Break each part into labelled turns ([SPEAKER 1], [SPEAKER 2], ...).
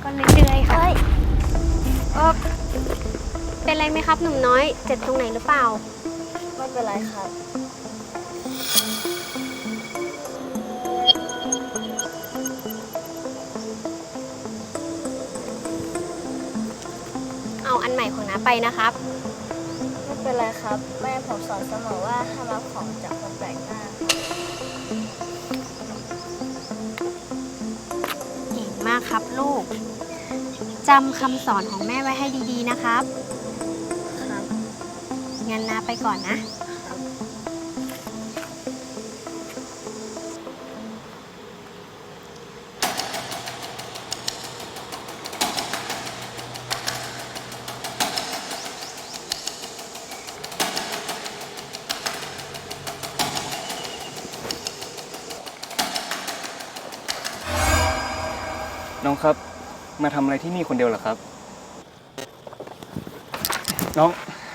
[SPEAKER 1] ก็เรื่อยๆค่ะเออเป็นไรไหมครับหนุ่มน้อยเจ็บตรงไหนหรือเปล่า
[SPEAKER 2] ไม่เป็นไรครับ
[SPEAKER 1] เอาอันใหม่ของน้าไปนะครับ
[SPEAKER 2] ไม่เป็นไรครับแม่ผมสอนเสมอว่าห้ามรับของจากคนแปลกหน้า
[SPEAKER 1] เก่งมากครับลูกจำคำสอนของแม่ไว้ให้ดีๆนะครับ
[SPEAKER 2] ครับ
[SPEAKER 1] งั้นน้าไปก่อนนะ
[SPEAKER 3] น้องครับมาทำอะไรที่นี่คนเดียวเหรอครับน้อง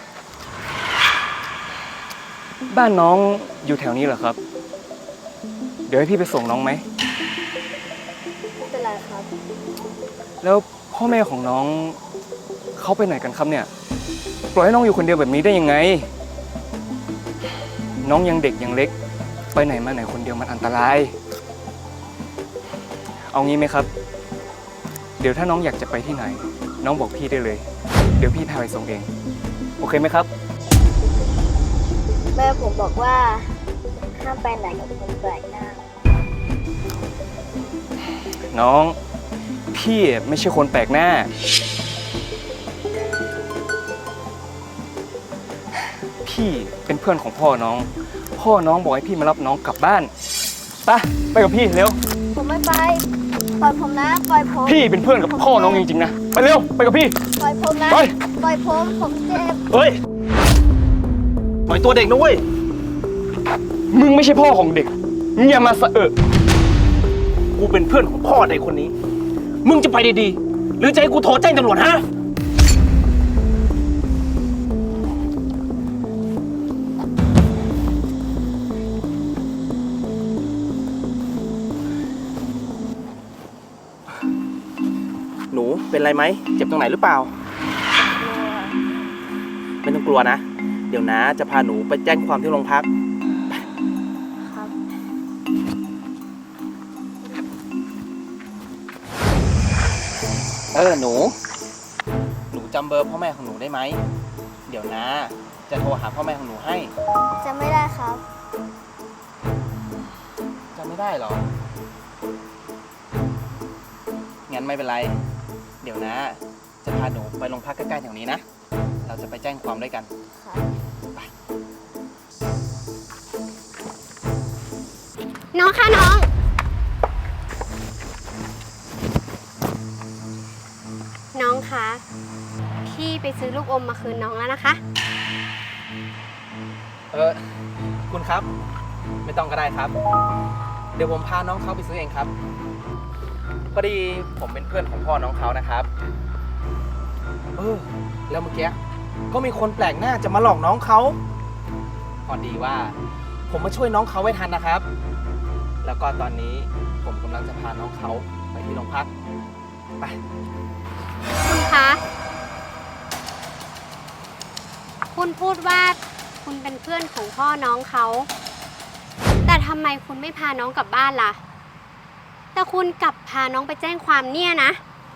[SPEAKER 3] บ้านน้องอยู่แถวนี้เหรอครับเดี๋ยวให้พี่ไปส่งน้องไหม
[SPEAKER 2] ไม่เป็นไรครับ
[SPEAKER 3] แล้วพ่อแม่ของน้องเขาไปไหนกันครับเนี่ยปล่อยให้น้องอยู่คนเดียวแบบนี้ได้ยังไงน้องยังเด็กยังเล็กไปไหนมาไหนคนเดียวมันอันตรายเอางี้ไหมครับเดี๋ยวถ้าน้องอยากจะไปที่ไหนน้องบอกพี่ได้เลยเดี๋ยวพี่พาไปส่งเองโอเคไหมครับ
[SPEAKER 2] แม่ผมบอกว่าห้ามไปไหนกับคนแปลกหน้า
[SPEAKER 3] น้องพี่ไม่ใช่คนแปลกหน้าพี่เป็นเพื่อนของพ่อน้องบอกให้พี่มารับน้องกลับบ้านไปกับพี่เร็ว
[SPEAKER 2] ผมไม่ไปปล่อยผมนะปล่อยผม
[SPEAKER 3] พี่เป็นเพื่อนกับพ่อน้องจริงๆนะไปเร็วไปกับพี่
[SPEAKER 2] ปล่อยผมนะ
[SPEAKER 3] ป
[SPEAKER 2] ล่อยผมเจ็บ
[SPEAKER 3] เฮ้ยปล่อยตัวเด็กนะเว้ยมึงไม่ใช่พ่อของเด็กมึงอย่ามาสะ
[SPEAKER 4] กูเป็นเพื่อนของพ่อเด็กคนนี้มึงจะไปดีๆหรือจะให้กูโทรแจ้งตำรวจฮะหนูเป็นไรไหมเจ็บตรงไหนหรือเปล่าไม่ต้องกลัวนะเดี๋ยวนะจะพาหนูไปแจ้งความที่โรงพัก
[SPEAKER 2] ครับ
[SPEAKER 4] หนูจำเบอร์พ่อแม่ของหนูได้ไหมเดี๋ยวนะจะโทรหาพ่อแม่ของหนูให้
[SPEAKER 2] จำไม่ได้ครับ
[SPEAKER 4] จำไม่ได้หรองั้นไม่เป็นไรเดี๋ยวนะจะพาหนูไปโรงพักใกล้ๆแถวนี้นะเราจะไปแจ้งความด้วยกันไป
[SPEAKER 1] น้องคะน้องคะพี่ไปซื้อลูกอมมาคืนน้องแล้วนะคะ
[SPEAKER 4] คุณครับไม่ต้องก็ได้ครับเดี๋ยวผมพาน้องเขาไปซื้อเองครับพอดีผมเป็นเพื่อนของพ่อน้องเขานะครับแล้วเมื่อกี้ก็มีคนแปลกหน้าจะมาหลอกน้องเขาพอดีว่าผมมาช่วยน้องเขาไว้ทันนะครับแล้วก็ตอนนี้ผมกำลังจะพาน้องเขาไปที่โรงพักไป
[SPEAKER 1] คุณคะคุณพูดว่าคุณเป็นเพื่อนของพ่อน้องเขาแต่ทำไมคุณไม่พาน้องกลับบ้านล่ะแต่คุณกลับพาน้องไปแจ้งความเนี่ยนะ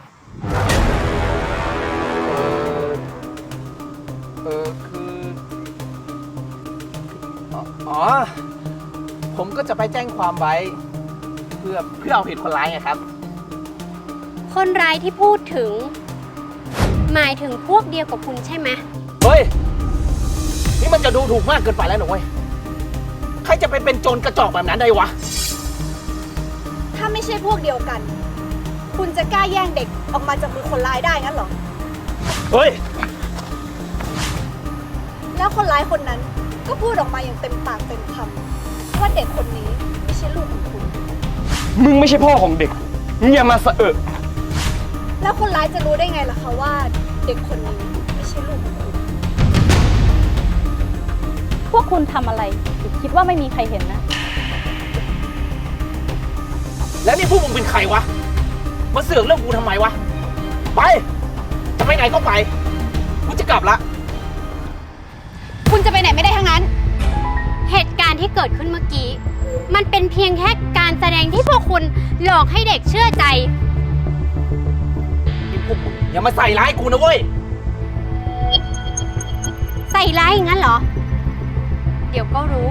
[SPEAKER 4] ผมก็จะไปแจ้งความไว้เพื่อเอาผิดคนร้ายไงครับ
[SPEAKER 1] คนร้ายที่พูดถึงหมายถึงพวกเดียวกับคุณใช่ไหม
[SPEAKER 4] เฮ้ยนี่มันจะดูถูกมากเกินไปแล้วหนูเว้ยใครจะไปเป็นโจรกระจอกแบบนั้นได้วะ
[SPEAKER 5] ถ้าไม่ใช่พวกเดียวกันคุณจะกล้าแย่งเด็กออกมาจากมือคนร้ายได้งั้นเหรอ
[SPEAKER 4] เฮ้ย
[SPEAKER 5] แล้วคนร้ายคนนั้นก็พูดออกมาอย่างเต็มปากเต็มคำว่าเด็กคนนี้ไม่ใช่ลูกของคุณ
[SPEAKER 3] มึงไม่ใช่พ่อของเด็กมึงอย่ามาสะ
[SPEAKER 5] แล้วคนร้ายจะรู้ได้ไงล่ะคะว่าเด็กคนนี้ไม่ใช่ลูกของคุณ
[SPEAKER 6] พวกคุณทำอะไรคิดว่าไม่มีใครเห็นนะ
[SPEAKER 4] แล้วนี่พวกมึงเป็นใครวะมาเสือกเรื่องกูทำไมวะไป จะไปไหนก็ไปกูจะกลับละ
[SPEAKER 5] คุณจะไปไหนไม่ได้ทั้งนั้น
[SPEAKER 1] เหตุการณ์ที่เกิดขึ้นเมื่อกี้ มันเป็นเพียงแค่การแสดงที่พวกคุณหลอกให้เด็กเชื่อใจ
[SPEAKER 4] นี่พวกมึงอย่ามาใส่ร้ายกูนะเว้ย
[SPEAKER 1] ใส่ร้ายอย่างนั้นเหรอ เดี๋ยวก็รู้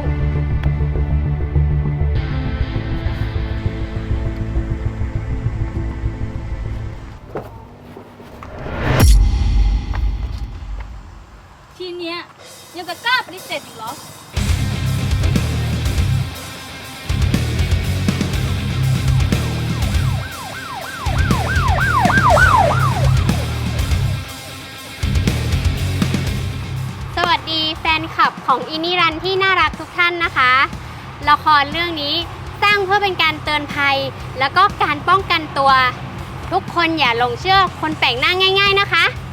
[SPEAKER 6] ทีเนี้ยยังจะกล้าปฏิเสธอีกเหรอ
[SPEAKER 1] สวัสดีแฟนคลับของอินิรันที่น่ารักทุกท่านนะคะ ละครเรื่องนี้สร้างเพื่อเป็นการเตือนภัย แล้วก็การป้องกันตัว ทุกคนอย่าหลงเชื่อคนแปลกหน้าง่ายๆนะคะ